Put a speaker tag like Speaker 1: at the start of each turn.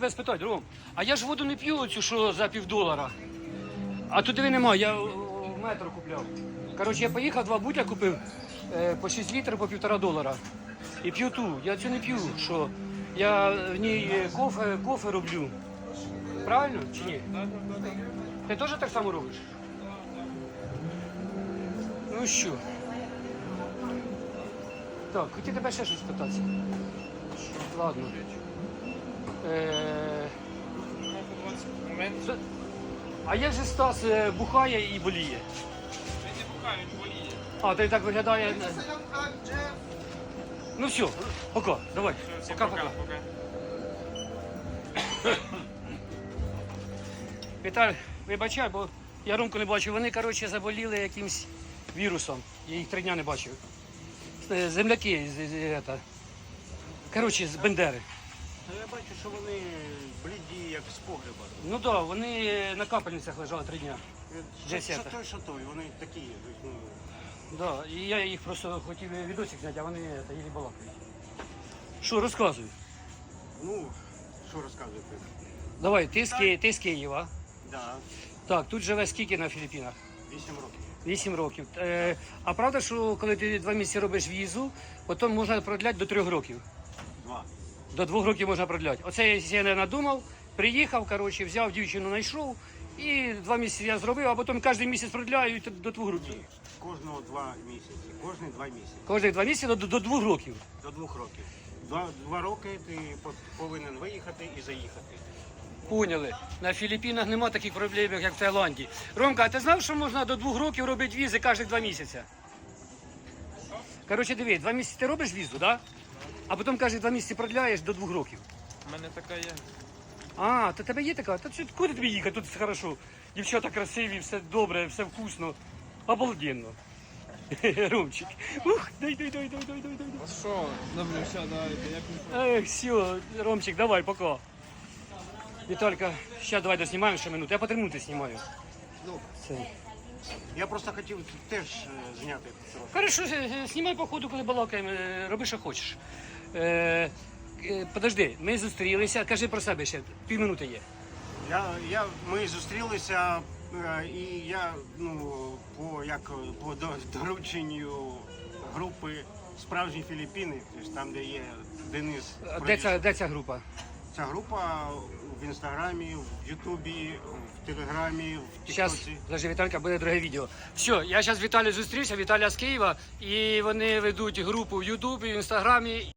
Speaker 1: тебе спитати, Ром, а я ж воду не п'ю оцю, що за $1,50. А тут диви нема, я в метро купляв. Коротше, я поїхав, 2 бутля купив по 6 літрів по $1,5. І п'ю ту. Я цю не п'ю, що я в ній кофе роблю. Правильно чи ні? Ти теж так само робиш? Ну що? Так, хотів тебе ще щось питатися. Ладно. А як же Стас бухає і боліє?
Speaker 2: Він не бухає, він боліє.
Speaker 1: А, то й так виглядає. Ну все, пока, давай.
Speaker 2: Все,
Speaker 1: Пока-пока.
Speaker 2: пока.
Speaker 1: Віталь, вибачай, бо я Ромку не бачив. Вони, коротше, заболіли якимсь вірусом. Я їх 3 дня не бачив. Земляки коротше, з Бендери.
Speaker 3: Я бачу, що вони бліді, як з погреба.
Speaker 1: Ну так, да, вони на капельницях лежали 3 дня.
Speaker 3: Що той, вони такі. Ну,
Speaker 1: Да, і я їх просто хотів відосик зняти, а вони їлі балакають. Що, розказуй.
Speaker 3: ну, що розказувати?
Speaker 1: Давай, ти з Києва.
Speaker 3: Да,
Speaker 1: Так, тут живе скільки на Філіппінах?
Speaker 3: 8 років.
Speaker 1: 8 років. А правда, що коли ти 2 місяці робиш візу, потім можна продляти до 3 років?
Speaker 3: 2.
Speaker 1: До 2 років можна продляти. Оце я не надумав, приїхав, коротше, взяв дівчину, знайшов, і 2 місяці я зробив, а потім кожен місяць продляю і до 2 років.
Speaker 3: Кожного 2 місяці. Кожні 2 місяці.
Speaker 1: Кожних 2 місяці до 2 років.
Speaker 3: До 2 років. 2 роки ти повинен виїхати і заїхати.
Speaker 1: Поняли. На Філіппінах нема таких проблем, як в Таїланді. Ромка, а ти знав, що можна до 2 років робити візи кожні 2 місяці? Коротше, диви, 2 місяці ти робиш візу, да? А потім кожні 2 місяці продляєш до 2 років.
Speaker 2: У мене така є.
Speaker 1: А, то тебе є така? Та куди тобі їхати? Тут все хорошо. Дівчата красиві, все добре, все вкусно. Обалденно. Ромчик. Ух, дай.
Speaker 2: А що? Добре, все, давайте.
Speaker 1: Ех, все, Ромчик, давай, пока. Віталька, ще давай доснімаємо ще минуту. Я по 3 минути знімаю.
Speaker 3: Ну,
Speaker 1: Це.
Speaker 3: я просто хотів теж зняти трохи.
Speaker 1: Хорошо, знімай по ходу, коли балакаємо, роби, що хочеш. Подожди, ми зустрілися, кажи про себе ще, півминути є.
Speaker 3: Ми зустрілися, і я по дорученню групи «Справжні Філіппіни», тобто там, де є Денис.
Speaker 1: Де ця група?
Speaker 3: Ця група в Інстаграмі, в Ютубі, в Телеграмі, в
Speaker 1: Зараз,
Speaker 3: Тіктоці.
Speaker 1: подожди, Віталька, буде друге відео. Все, я зараз з Віталією зустрівся, Віталія з Києва, і вони ведуть групу в Ютубі, в Інстаграмі.